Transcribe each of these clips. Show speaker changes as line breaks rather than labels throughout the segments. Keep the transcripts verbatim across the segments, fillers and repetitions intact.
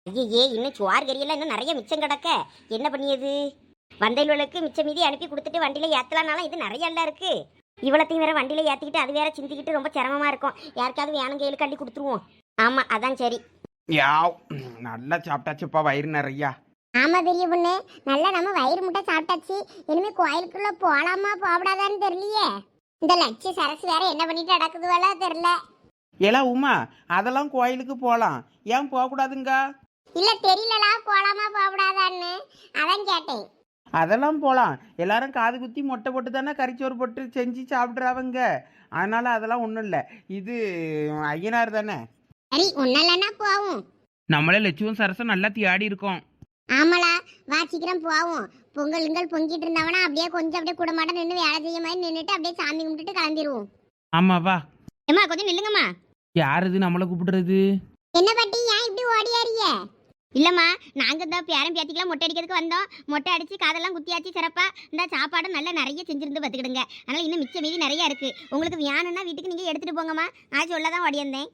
ஐயே இன்னும் சுவார் கறியெல்லாம் இன்னும் நிறைய மிச்சம் கிடக்க என்ன பண்ணியது? வந்தைகளுக்கு மிச்சம் மீதி அனுப்பி கொடுத்துட்டு வண்டியில ஏத்தலாம்னாலும் இது நிறைய எல்லாம் இருக்கு. இவ்வளத்தையும் வேற வண்டியில ஏத்திக்கிட்டு அது வேற சிந்திக்கிட்டு ரொம்ப சிரமமா இருக்கும். யாருக்காவது வேணும் கையில் கட்டி கொடுத்துருவோம். ஆமா அதான் சரி.
யாவ் நல்லா சாப்பிட்டாச்சுப்பா, வயிறு நிறையா.
ஆமா பெரிய பொண்ணு, நல்லா நம்ம வயிறு முட்டை சாப்பிட்டாச்சு. இனிமே கோயிலுக்குள்ள போலாமா போகக்கூடாதான்னு தெரியலையே. இந்த லட்ச சரசு வேற என்ன பண்ணிட்டு நடக்குது வேலை தெரியல.
ஏலா உமா, அதெல்லாம் கோயிலுக்கு போகலாம், ஏன் போகக்கூடாதுங்க?
இல்ல தெரியலலா போலாமா போகக்கூடாதான்னு அதான் கேட்டேன்.
அதெல்லாம் போகலாம், எல்லாரும் காது குத்தி மொட்டை போட்டு தானே கறிச்சோறு போட்டு செஞ்சு சாப்பிட்றாவங்க. அதனால அதெல்லாம் ஒன்றும் இல்லை, இது ஐயனார் தானே.
சரி ஒன்னலன்னா போவோம்.
நம்மளே லட்சுமம் சரசம் நல்லா தியாடி இருக்கோம்.
ஆமாலா வா சீக்கிரம் போவோம். பொங்கலுங்கள் பொங்கிட்டு இருந்தவனா அப்படியே கொஞ்சம் அப்படியே குடமாட்டம் நின்று வேலை செய்ய மாதிரி நின்றுட்டு அப்படியே சாமி கும்பிட்டுட்டு கிளம்பிடுவோம்.
ஆமா வா.
ஏம்மா கொஞ்சம் நில்லுங்கம்மா.
யார் இது நம்மளை கூப்பிடுறது?
என்ன பாட்டி ஏன் இப்படி ஓடியாரியே?
இல்லம்மா, நாங்க இந்த பேரன் பேத்திக்கெல்லாம் மொட்டை அடிக்கிறதுக்கு வந்தோம். மொட்டை அடிச்சு காதெல்லாம் குத்தியாச்சு சிறப்பா. இந்த சாப்பாடு நல்லா நிறைய செஞ்சிருந்து பார்த்துக்கிடுங்க. அதனால இன்னும் மிச்ச மீதி நிறைய இருக்கு. உங்களுக்கு வேணும்னா வீட்டுக்கு நீங்க எடுத்துட்டு போங்கம்மா. நான் சொல்லதான் ஓடியிருந்தேன்.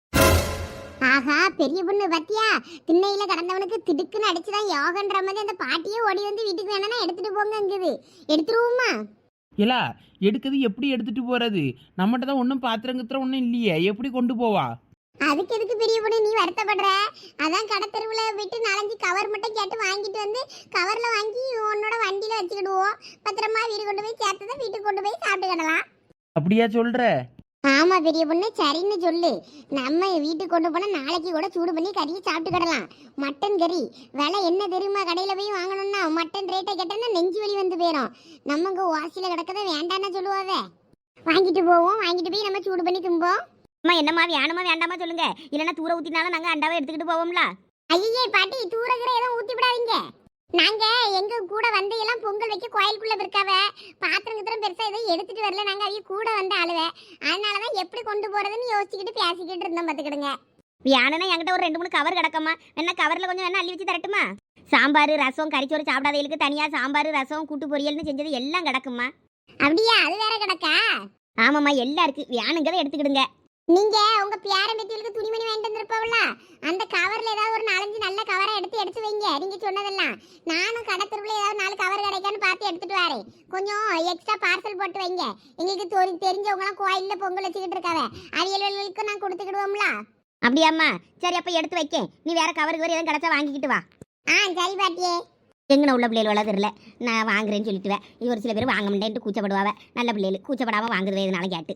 ஆஹா பெரிய பொண்ணு பத்தியா, திண்ணையில கடந்தவனுக்கு திடுக்குன்னு அடிச்சுதான் யோகன்ற மாதிரி அந்த பாட்டியே ஓடி வந்து வீட்டுக்கு வேணா எடுத்துட்டு போங்கங்குது. எடுத்துருவோமா?
இல்ல எடுக்கிறது எப்படி எடுத்துட்டு போறது? நம்மகிட்ட தான் ஒன்றும் பாத்திரம் கித்திரம் ஒன்றும் இல்லையே, எப்படி கொண்டு போவா?
அதுக்கு எதுக்கு பெரிய பொண்ணு நீ வருத்தப்படுற? அதான் கடை தெருவுல போயிட்டு நாலஞ்சு கவர் மட்டும் கேட்டு வாங்கிட்டு வந்து கவர்ல வாங்கி உன்னோட வண்டியில வச்சுக்கிடுவோம். பத்திரமா வீடு கொண்டு போய் சேர்த்ததை வீட்டுக்கு கொண்டு போய் சாப்பிட்டுக்கிடலாம்.
அப்படியா சொல்ற?
ஆமா பெரிய பொண்ணு சரின்னு சொல்லு. நம்ம வீட்டுக்கு கொண்டு போனா நாளைக்கு கூட சூடு பண்ணி கறியை சாப்பிட்டுக்கிடலாம். மட்டன் கறி விலை என்ன தெரியுமா? கடையில போய் வாங்கணும்னா மட்டன் ரேட்டை கேட்டோம்னா நெஞ்சு வலி வந்து போயிடும். நம்ம இங்க வாசியில கிடக்கத வேண்டான்னு சொல்லுவாவே. வாங்கிட்டு போவோம், வாங்கிட்டு போய் நம்ம சூடு பண்ணி தும்போம்.
அம்மா என்னம்மா வேணுமா வேண்டாமா சொல்லுங்க, இல்லைன்னா தூர ஊத்தினாலும் நாங்க அண்டாவை எடுத்துக்கிட்டு போவோம்ல.
ஐயே பாட்டி தூரகிற எதுவும் ஊத்தி விடாதீங்க. நாங்க எங்க கூட வந்து எல்லாம் பொங்கல் வைக்க கோயிலுக்குள்ள இருக்காவ. பாத்திரம் கித்திரம் பெருசா எதுவும் எடுத்துட்டு வரல. நாங்க அவங்க கூட வந்து ஆளுவே. அதனாலதான் எப்படி கொண்டு போறதுன்னு யோசிச்சுக்கிட்டு பேசிக்கிட்டு இருந்தோம் பாத்துக்கிடுங்க.
வேணும்னா என்கிட்ட ஒரு ரெண்டு மூணு கவர் கிடக்கம்மா. என்ன கவர்ல கொஞ்சம் வேணா அள்ளி வச்சு தரட்டுமா? சாம்பார் ரசம் கறிச்சோறு சாப்பிடாதவங்களுக்கு தனியா சாம்பார் ரசம் கூட்டு பொரியல்னு செஞ்சது எல்லாம் கிடக்குமா.
அப்படியா? அது வேற கிடக்கா?
ஆமாம்மா எல்லாம் இருக்கு, வேணுங்கிறத எடுத்துக்கிடுங்க.
நீங்க உங்க பேரம்பேத்திகளுக்கு துணிமணி வாங்கிட்டு வந்திருப்பாவல, அந்த கவர்ல ஏதாவது ஒரு நாலஞ்சு நல்ல கவரை எடுத்து எடுத்து வைங்க. நீங்க சொன்னதெல்லாம் நானும் கடத்தருவுல ஏதாவது நாலு கவர் கிடைக்கான்னு பார்த்து எடுத்துட்டு வரேன். கொஞ்சம் எக்ஸ்ட்ரா பார்சல் போட்டு வைங்க. எங்களுக்கு தெரிஞ்சவங்க எல்லாம் கோயில்ல பொங்கல் வச்சுக்கிட்டு இருக்காவ, அவியல்களுக்கு நான் கொடுத்துக்கிடுவோம்ல.
அப்படியாம்மா? சரி அப்ப எடுத்து வைக்கேன். நீ வேற கவருக்கு வேற எதுவும் கிடைச்சா வாங்கிக்கிட்டு வா.
ஆ சரி பாட்டியே.
எங்கன உள்ள பிள்ளைகள் வள தெரியல, நான் வாங்குறேன்னு சொல்லிட்டுவேன். இது ஒரு சில பேர் வாங்க முடியேன்ட்டு கூச்சப்படுவாவ. நல்ல பிள்ளைகள் கூச்சப்படாம வாங்குறது எதுனாலும் கேட்டு.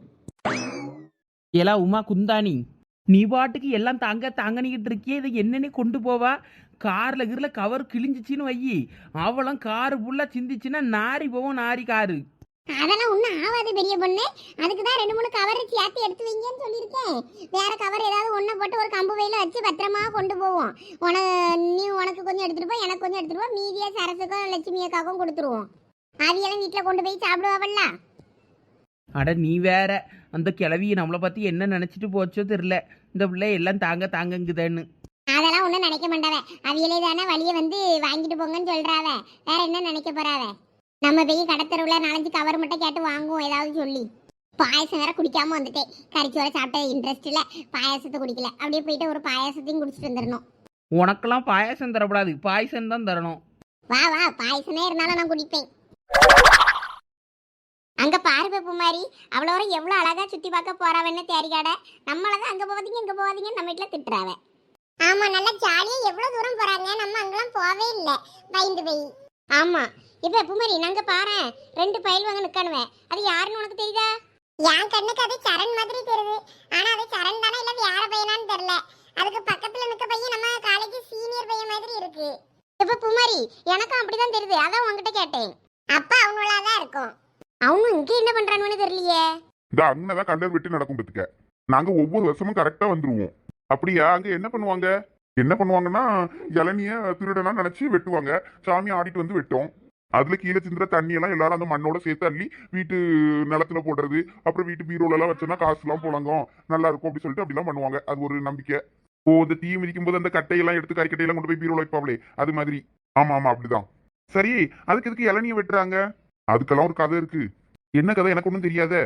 ஏலா உமா குந்தாணி, நீ பாட்டுக்கு எல்லாம் தாங்க தாங்கனிக்கிட்டு இருக்கியே, இதை என்னென்ன கொண்டு போவா? கார்ல கீர்ல கவர் கிழிஞ்சிச்சின்னு வையி, அவளும் காரு ஃபுல்லா சிந்திச்சுன்னா நாரி போவோம். நாரி காரு
அதெல்லாம் ஒன்றும் ஆகாது பெரிய பொண்ணு. அதுக்கு தான் ரெண்டு மூணு கவர் சேர்த்து எடுத்து வைங்கன்னு சொல்லியிருக்கேன். வேற கவர் ஏதாவது ஒன்றை போட்டு ஒரு கம்பு வயல வச்சு பத்திரமா கொண்டு போவோம். உன நீ உனக்கு கொஞ்சம் எடுத்துட்டு போ, எனக்கு கொஞ்சம் எடுத்துட்டு போ. மீதியா சரசுக்கும் லட்சுமி அக்காவுக்கும் கொடுத்துருவோம். அவியெல்லாம் வீட்டில் கொண்டு போய் சாப்பிடுவாவல்ல.
அட நீ வேற, அந்த கிளவியை நம்மளை பற்றி என்ன நினச்சிட்டு போச்சோ தெரில. இந்த பிள்ளை எல்லாம் தாங்க தாங்கங்குதேன்னு.
அதெல்லாம் ஒன்றும் நினைக்க மாட்டாவ. அவியலே தானே வழியை வந்து வாங்கிட்டு போங்கன்னு சொல்றாவ. வேற என்ன நினைக்க போறாவ? நம்ம போய் கடத்தருவுல நாலஞ்சு கவர் மட்டும் கேட்டு வாங்குவோம் ஏதாவது சொல்லி. பாயசம் வேற குடிக்காம வந்துட்டேன். கறிச்சோரை சாப்பிட்ட இன்ட்ரெஸ்ட் இல்லை, பாயாசத்தை குடிக்கல. அப்படியே போயிட்டு ஒரு பாயாசத்தையும் குடிச்சிட்டு வந்துடணும்.
உனக்கெல்லாம் பாயசம் தரக்கூடாது, பாயசம் தான் தரணும்.
வா வா, பாயசமே இருந்தாலும் நான் குடிப்பேன். அங்க பாரு பூமாரி, அவ்வளோ எவ்வளோ அழகா சுத்தி பார்க்க போறாவன்னு தேரிக்காட. நம்மளதான் அங்க போவாதீங்க இங்க போவாதீங்க நம்ம வீட்டுல திட்டுறாவ. ஆமா நல்லா ஜாலியா எவ்வளவு தூரம் போறாங்க, நம்ம அங்கெல்லாம் போவே இல்லை பயந்து போய். ஆமா இப்ப பூமாரி நாங்க பாரு ரெண்டு பயில் வாங்க நிக்கணுவேன். அது யாருன்னு உனக்கு தெரியுதா? என் கண்ணுக்கு அது சரண் மாதிரி தெரியுது. ஆனா அது சரண் தானே இல்ல வேற பையனான்னு தெரியல. அதுக்கு பக்கத்துல நிக்க பையன் நம்ம காலேஜ் சீனியர் பையன் மாதிரி இருக்கு. இப்ப பூமாரி எனக்கும் அப்படிதான் தெரியுது, அதான் உங்ககிட்ட கேட்டேன். அப்ப அவனுள்ளதான் இருக்கும். அவனும் இங்க என்ன பண்றான்னு தெரியலையே.
இந்த அங்கதான் கண்டர் வெட்டி நடக்கும் பத்துக்க. நாங்க ஒவ்வொரு வருஷமும் கரெக்டா வந்துருவோம். அப்படியா? அங்க என்ன பண்ணுவாங்க? என்ன பண்ணுவாங்கன்னா இளநிய திருடனா நினைச்சு வெட்டுவாங்க. சாமி ஆடிட்டு வந்து வெட்டோம். அதுல கீழே சிந்துற தண்ணி எல்லாம் எல்லாரும் அந்த மண்ணோட சேர்த்து அள்ளி வீட்டு நிலத்துல போடுறது. அப்புறம் வீட்டு பீரோல எல்லாம் வச்சோன்னா காசு எல்லாம் போலாங்க நல்லா இருக்கும் அப்படின்னு சொல்லிட்டு அப்படிலாம் பண்ணுவாங்க. அது ஒரு நம்பிக்கை. ஓ, இந்த தீ மிதிக்கும் போது அந்த கட்டையெல்லாம் எடுத்து கறிக்கட்டையெல்லாம் கொண்டு போய் பீரோல வைப்பாங்களே, அது மாதிரி. ஆமா ஆமா அப்படிதான். சரி, அதுக்கு எதுக்கு இளநிய வெட்டுறாங்க? அதுக்கெல்லாம் ஒரு கதை இருக்கு. என்ன கதை எனக்கு ஒன்றும் தெரியாத.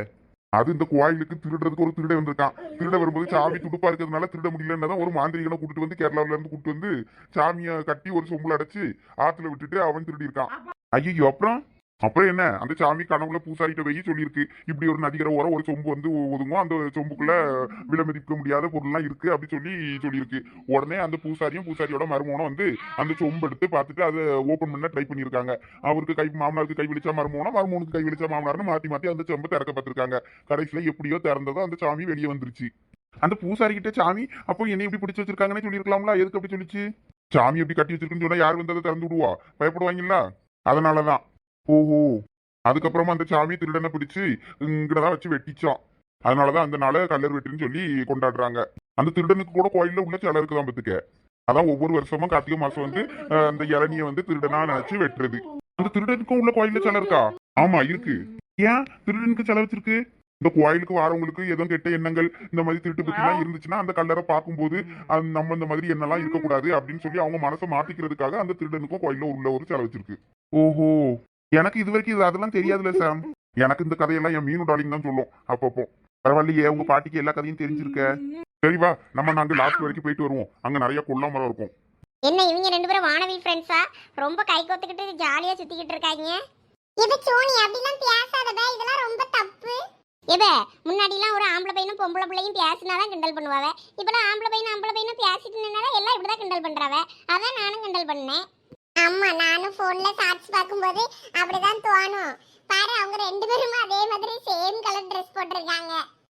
அது இந்த கோயிலுக்கு திருடுறதுக்கு ஒரு திருட வந்திருக்கான். திருட வரும்போது சாமி துடுப்பா இருக்கிறதுனால திருட முடியலன்னு ஒரு மாந்திரிகனை கூட்டிட்டு வந்து கேரளாவில இருந்து கூட்டிட்டு வந்து சாமியை கட்டி ஒரு சொம்புல அடைச்சு ஆத்துல விட்டுட்டு அவன் திருடி இருக்கான். ஐயோ, அப்புறம் அப்புறம் என்ன, அந்த சாமி கனவுல பூசாரிட்ட போய் சொல்லியிருக்கு, இப்படி ஒரு நதிகர ஓரம் ஒரு சொம்பு வந்து ஒதுங்கும், அந்த சொம்புக்குள்ள விலை மதிக்க முடியாத பொருள்லாம் இருக்கு அப்படி சொல்லி சொல்லியிருக்கு. உடனே அந்த பூசாரியும் பூசாரியோட மருமகனும் வந்து அந்த சொம்பு எடுத்து பார்த்துட்டு அதை ஓப்பன் பண்ண ட்ரை பண்ணியிருக்காங்க. அவருக்கு கை மாமனாருக்கு கை விழிச்சா மருமகனும், மருமகனுக்கு கை விழிச்சா மாமனார்னு மாத்தி மாத்தி அந்த சொம்பை திறக்க பார்த்திருக்காங்க. கடைசியில எப்படியோ திறந்ததோ அந்த சாமி வெளியே வந்துருச்சு. அந்த பூசாரி கிட்ட சாமி அப்போ என்னை எப்படி பிடிச்சு வச்சிருக்காங்கன்னு சொல்லியிருக்கலாம்ல, எதுக்கு அப்படி சொல்லிச்சு? சாமி எப்படி கட்டி வச்சிருக்குன்னு சொன்னா யார் வந்து அதை திறந்து விடுவா, பயப்படுவாங்களா? அதனாலதான். ஓஹோ, அதுக்கப்புறமா அந்த சாமி திருடனை பிடிச்சு இங்கதான் வச்சு வெட்டிச்சான். அதனாலதான் அந்த நாளை கல்லர் வெட்டின்னு சொல்லி கொண்டாடுறாங்க. அந்த திருடனுக்கு கூட கோயில்ல உள்ள சிலை இருக்குதான் பத்துக்க. அதான் ஒவ்வொரு வருஷமும் கார்த்திகை மாசம் வந்து அந்த இளநியை வந்து திருடனா நினைச்சு வெட்டுறது. அந்த திருடனுக்கும் உள்ள கோயில்ல சிலை இருக்கா? ஆமா இருக்கு. ஏன் திருடனுக்கு சிலை வச்சிருக்கு? இந்த கோயிலுக்கு வரவங்களுக்கு எதுவும் கெட்ட எண்ணங்கள் இந்த மாதிரி திருட்டு பத்தி எல்லாம் இருந்துச்சுன்னா அந்த கல்லறை பார்க்கும்போது நம்ம இந்த மாதிரி எண்ணெல்லாம் இருக்கக்கூடாது அப்படின்னு சொல்லி அவங்க மனசை மாத்திக்கிறதுக்காக அந்த திருடனுக்கும் கோயில்ல உள்ள ஒரு சிலை வச்சிருக்கு. ஓஹோ, எனக்கு இது வரைக்கும் இது அதெல்லாம் தெரியாதுல்ல சாம். எனக்கு இந்த கதையெல்லாம் என் மீனு டாலிங் தான் சொல்லும் அப்பப்போ. பரவாயில்லையே, உங்க பாட்டிக்கு எல்லா கதையும் தெரிஞ்சிருக்க. சரிவா, நம்ம நாங்க லாஸ்ட் வரைக்கும் போயிட்டு வருவோம். அங்க நிறைய கொல்லா மரம் இருக்கும்.
என்ன இவங்க ரெண்டு பேரும் வானவி ஃப்ரெண்ட்ஸா? ரொம்ப கை கோத்துக்கிட்டு ஜாலியா சுத்திக்கிட்டு இருக்காங்க. இது சோனி அப்படிலாம் பேசாதடா, இதெல்லாம் ரொம்ப தப்பு. எபே, முன்னாடிலாம் ஒரு ஆம்பளை பையனும் பொம்பளை பிள்ளையும் பேசினாதான் கிண்டல் பண்ணுவாவ. இப்பெல்லாம் ஆம்பளை பையனும் ஆம்பளை பையனும் பேசிட்டு நின்னாதான் எல்லாம் இப்படிதான் கிண்டல் பண்றாவ. அதான் நானும் கிண்டல் பண்ணேன். ஆமா, நானும் போன்ல சாட்சி பார்க்கும்போது அப்படிதான் தோணும். பாரு, அவங்க ரெண்டு பேரும் அதே மாதிரி சேம் கலர் ட்ரெஸ் போட்டிருக்காங்க.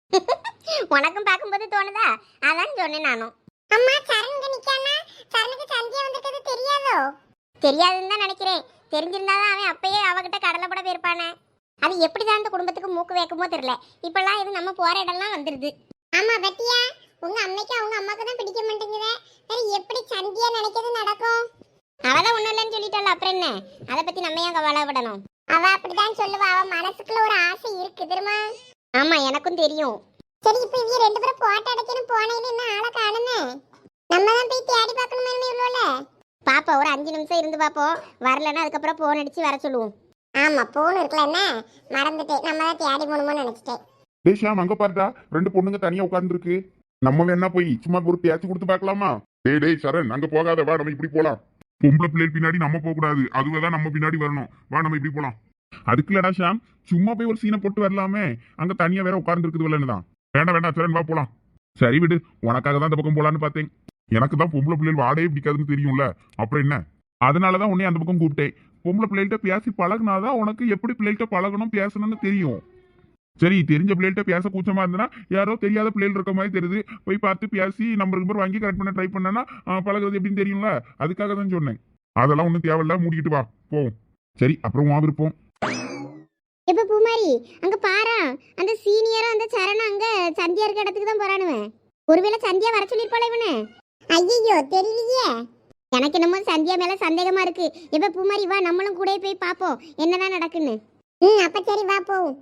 உனக்கும் பார்க்கும்போது தோணுதா? அதான் சொன்னேன் நானும். அம்மா, சரணுங்க நிக்கானா? சரணுக்கு சந்தியா வந்திருக்கிறது தெரியாதோ? தெரியாதுன்னு தான் நினைக்கிறேன். தெரிஞ்சிருந்தாதான் அவன் அப்பயே அவகிட்ட கடலை போட போயிருப்பானே. அது எப்படிதான் அந்த குடும்பத்துக்கு மூக்கு வைக்குமோ தெரியல. இப்பெல்லாம் இது நம்ம போற இடம்லாம் வந்துருது. ஆமா பத்தியா, உங்க அம்மைக்கு அவங்க அம்மாக்கு தான் பிடிக்க மாட்டேங்குது. எப்படி சந்தியா நினைக்கிறது நடக்கும்? அவதான் ஒண்ணும் இல்லைன்னு சொல்லிட்டாள், அப்புறம் என்ன? அதை பத்தி நம்ம ஏன் கவலைப்படணும்? அவ அப்படிதான் சொல்லுவா, அவ மனசுக்குள்ள ஒரு ஆசை இருக்கு தெரியுமா? ஆமா, எனக்கும் தெரியும். சரி, இப்ப இவங்க ரெண்டு பேரும் போட்டோ அடைக்கணும் போனேன்னு என்ன ஆளை காணுமே. நம்ம தான் போய் தேடி பார்க்கணுமே இவ்வளோல. பாப்பா, ஒரு அஞ்சு நிமிஷம் இருந்து பாப்போம். வரலன்னா அதுக்கப்புறம் போன் அடிச்சு வர சொல்லுவோம். ஆமா, போன் இருக்குல்ல, என்ன மறந்துட்டேன். நம்ம தான் தேடி போகணுமோ நினைச்சிட்டேன்.
டேஷாம், அங்க பாருடா, ரெண்டு பொண்ணுங்க தனியா உட்கார்ந்து இருக்கு. நம்ம வேணா போய் சும்மா ஒரு பேச்சு கொடுத்து பார்க்கலாமா? டேய் டேய் சரண், அங்க போகாத, வா நம்ம இப்படி போலாம். பொம்பளை பிள்ளைகள் பின்னாடி நம்ம போக கூடாது, அதுதான் நம்ம பின்னாடி வரணும். வா நம்ம இப்படி போலாம். அதுக்குலடா ஷாம், சும்மா போய் ஒரு சீனை போட்டு வரலாமே, அங்க தனியா வேற உட்கார்ந்து இருக்குது இல்லைன்னுதான். வேண்டாம் வேண்டாம் சரண், வா போலாம். சரி விடு, உனக்காக தான் இந்த பக்கம் போலான்னு பார்த்தேன். எனக்கு தான் பொம்பளை பிள்ளைகள் வாடகை பிடிக்காதுன்னு தெரியும்ல, அப்புறம் என்ன? அதனாலதான் உன்னை அந்த பக்கம் கூப்பிட்டேன். பொம்பளை பிள்ளைகிட்ட பேசி பழகினாதான் உனக்கு எப்படி பிள்ளைகிட்ட பழகணும் பேசணும்னு தெரியும். சரி, தெரிஞ்ச பிள்ளைகிட்ட பேச கூச்சமா இருந்தனா யாரோ தெரியாத பிள்ளைகள் இருக்க மாதிரி தெரியுது, போய் பார்த்து பேசி நம்பர் நம்பர் வாங்கி கரெக்ட் பண்ண ட்ரை பண்ணனா பழகிறது எப்படின்னு தெரியும்ல, அதுக்காக தான் சொன்னேன். அதெல்லாம் ஒன்றும் தேவையில்ல, மூடிக்கிட்டு வா போவோம். சரி, அப்புறம் வா விருப்பம்.
எப்ப பூமாரி, அங்க பாரா, அந்த சீனியரும் அந்த சரணம் அங்க சந்தியா இருக்க இடத்துக்கு தான் போறானுவேன். ஒருவேளை சந்தியா வர சொல்லிருப்பாளே இவனு. ஐயோ, தெரியலையே. எனக்கு என்னமோ சந்தியா மேல சந்தேகமா இருக்கு. எப்ப பூமாரி, வா நம்மளும் கூட போய் பாப்போம் என்னதான் நடக்குன்னு. ம், அப்ப சரி, வா போவோம்.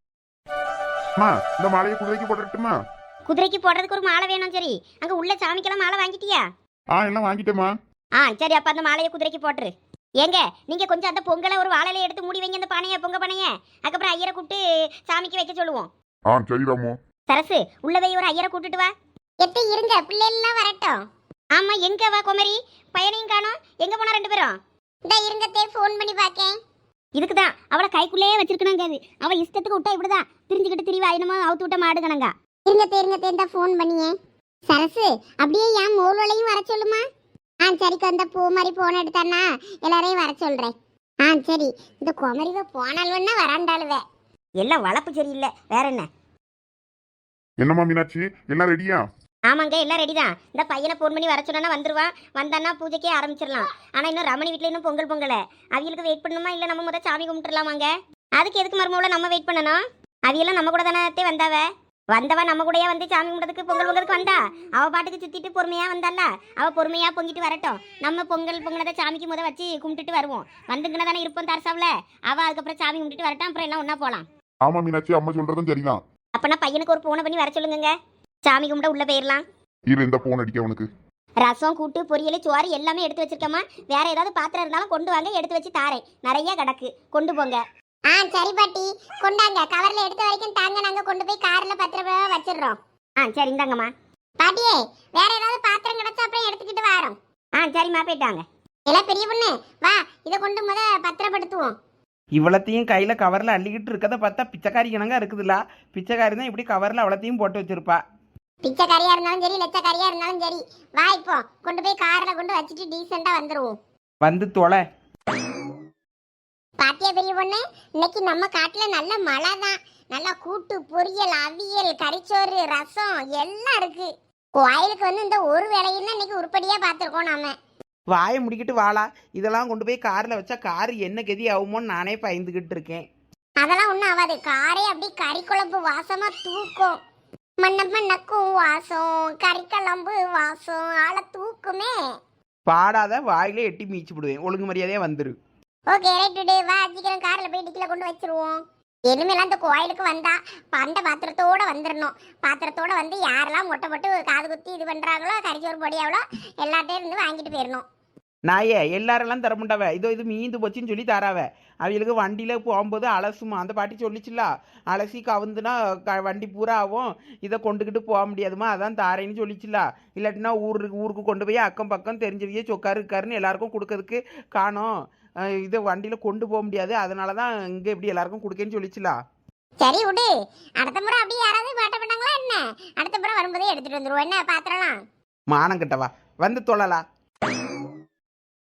இந்த மாலையை குதிரைக்கு போட்டுட்டுமா?
குதிரைக்கு போடுறதுக்கு ஒரு மாலை வேணும். சரி, அங்க உள்ள சாமிக்கெல்லாம் மாலை வாங்கிட்டியா?
ஆ, எல்லாம் வாங்கிட்டேமா.
ஆ சரி, அப்ப அந்த மாலையை குதிரைக்கு போட்டுரு. ஏங்க, நீங்க கொஞ்சம் அந்த பொங்கலை ஒரு வாழையில எடுத்து மூடி வைங்க, அந்த பானைய பொங்க பானைய. அதுக்கப்புறம் ஐயரை கூப்பிட்டு சாமிக்கு வைக்க சொல்லுவோம்.
ஆ சரி ராமு.
சரசு, உள்ள போய் ஒரு ஐயரை கூட்டிட்டு வா.
எத்த இருங்க, பிள்ளைலாம் வரட்டும்.
ஆமா, எங்க வா குமரி, பையனையும் காணோம். எங்க போனா ரெண்டு பேரும்?
இந்த இருங்கத்தே, ஃபோன் பண்ணி பாக்கேன்.
இதுக்குதான் அவளை கைக்குள்ளேயே வச்சிருக்கணுங்காது. அவ இஷ்டத்துக்கு விட்டா இப்படிதான் திரிஞ்சுக்கிட்டு திரிவா, என்னமோ அவுத்து விட்ட மாடு கணங்கா.
இருங்கத்தே இருங்கத்தே, இந்த ஃபோன் பண்ணியே. சரசு, அப்படியே என் மோல்வளையும் வர சொல்லுமா? ஆ சரிக்கு, அந்த பூ மாதிரி போன் எடுத்தானா எல்லாரையும் வர சொல்றேன். ஆ சரி, இந்த குமரிவ போனால்வன்னா வராண்டாளுவே.
எல்லாம் வளர்ப்பு சரியில்லை, வேற என்ன?
என்னம்மா மீனாட்சி, எல்லாம் ரெடியா?
ஆமாங்க, எல்லாம் ரெடி தான். இந்த பையனை ஃபோன் பண்ணி வர சொன்னா வந்துருவான். வந்தான்னா பூஜைக்கே ஆரம்பிச்சிடலாம். ஆனா இன்னும் ரமணி வீட்டுல இன்னும் பொங்கல் பொங்கல, அவிகளுக்கு வெயிட் பண்ணணுமா இல்ல நம்ம முத சாமி கும்பிட்டுலாமாங்க? அதுக்கு எதுக்கு மருமவுல நம்ம வெயிட் பண்ணணும்? அவியெல்லாம் நம்ம கூட தானே வந்தாவ. வந்தவா நம்ம கூடயே வந்து சாமி கும்பிட்றதுக்கு பொங்கல் பொங்கலுக்கு வந்தா. அவ பாட்டுக்கு சுத்திட்டு பொறுமையா வந்தால, அவ பொறுமையா பொங்கிட்டு வரட்டும். நம்ம பொங்கல் பொங்கலதை சாமிக்கு முத வச்சு கும்பிட்டுட்டு வருவோம். வந்துங்கன்னு தானே இருப்போம் தரசாவில். அவ அதுக்கப்புறம் சாமி கும்பிட்டுட்டு வரட்டும், அப்புறம் எல்லாம் ஒன்னா போலாம்.
ஆமா மீனாட்சி, அம்மா சொல்றதும் சரிதான்.
அப்பனா பையனுக்கு ஒரு போனை பண்ணி வர சொல்லுங்க, சாமி கும்பிட உள்ள போயிடலாம்.
இரு, இந்த போன் அடிக்க உனக்கு.
ரசம், கூட்டு, பொரியல், சோறு எல்லாமே எடுத்து வச்சிருக்கமா. வேற ஏதாவது பாத்திரம் இருந்தாலும் கொண்டு வாங்க, எடுத்து வச்சு தாரேன். நிறைய கிடக்கு, கொண்டு போங்க.
ஆ சரி பாட்டி, கொண்டாங்க. கவர்ல எடுத்த வரைக்கும் தாங்க, நாங்க கொண்டு போய் கார்ல பத்திரமா வச்சிடுறோம்.
ஆ சரி இந்தாங்கம்மா.
பாட்டியே, வேற ஏதாவது பாத்திரம் கிடைச்சா அப்புறம் எடுத்துக்கிட்டு வரோம்.
ஆ சரிம்மா போயிட்டாங்க.
எல்லாம் பெரிய பொண்ணு வா, இதை கொண்டு முத பத்திரப்படுத்துவோம்.
இவ்வளத்தையும் கையில் கவரில் அள்ளிக்கிட்டு இருக்கதை பார்த்தா பிச்சைக்காரி கணங்க இருக்குதுல்ல. பிச்சைக்காரி தான் இப்படி கவரில் அவ்வளோத்தையும் போட்டு வச்சிருப்பா.
பிச்சைக்காரியா இருந்தாலும் சரி, லட்சக்காரியா இருந்தாலும் சரி, வா இப்போ கொண்டு போய் கார்ல கொண்டு வச்சுட்டு டீசெண்டா வந்துருவோம்.
வந்து தொலை.
பாத்தியா பெரிய பொண்ணு, இன்னைக்கு நம்ம காட்டுல நல்ல மழை தான். நல்லா கூட்டு பொரியல், அவியல், கறிச்சோறு, ரசம் எல்லாம் இருக்கு. கோயிலுக்கு வந்து இந்த ஒரு வேலையும் தான் இன்னைக்கு உருப்படியா பார்த்துருக்கோம் நாம.
வாயை முடிக்கிட்டு வாளா. இதெல்லாம் கொண்டு போய் காரில் வச்சா கார் என்ன கதி ஆகுமோன்னு நானே பயந்துக்கிட்டு இருக்கேன்.
அதெல்லாம் ஒன்றும் ஆகாது. காரே அப்படி கறி குழம்பு வாசமா தூக்கும். மண்ண மண்ணக்கும் வாசம், கறி குழம்பு வாசம், ஆளை தூக்குமே.
பாடாத வாயிலே எட்டி மீச்சு விடுவேன். ஒழுங்கு மரியாதையாக வந்துரு.
ஓகே ரைட் டுடே, வா சீக்கிரம் கார்ல போய் டிக்கில கொண்டு வச்சிருவோம். இனிமேலாம் இந்த கோயிலுக்கு வந்தா பண்ட பாத்திரத்தோட வந்துடணும். பாத்திரத்தோட வந்து யாரெல்லாம் மொட்டை போட்டு காது குத்தி இது பண்றாங்களோ, கறிச்சோறு பொடியாவளோ எல்லாத்தையும் இருந்து வாங்கிட்டு போயிடணும்.
நாயே எல்லாரெல்லாம் தரமுண்டாவ. இதோ இது மீந்து போச்சுன்னு சொல்லி தராவ. அவங்களுக்கு வண்டியில் போகும்போது அலசுமா. அந்த பாட்டி சொல்லிச்சுல, அலசி கவுந்துனா க வண்டி பூரா ஆகும், இதை கொண்டுக்கிட்டு போக முடியாதுமா, அதான் தாரேன்னு சொல்லிச்சுல. இல்லாட்டினா ஊருக்கு ஊருக்கு கொண்டு போய் அக்கம் பக்கம் தெரிஞ்சவிய சொக்காரு இருக்காருன்னு எல்லாருக்கும் கொடுக்கறதுக்கு காணோம். இதை வண்டியில் கொண்டு போக முடியாது, அதனால தான் இங்கே இப்படி எல்லாருக்கும் கொடுக்கேன்னு சொல்லிச்சுல.
சரி விடு, அடுத்த முறை அப்படியே யாராவது மாட்ட பண்ணாங்களா என்ன? அடுத்த முறை வரும்போதே எடுத்துட்டு வந்துருவோம் என்ன பாத்திரம்லாம்.
மானம் கட்டவா வந்து தொழலா.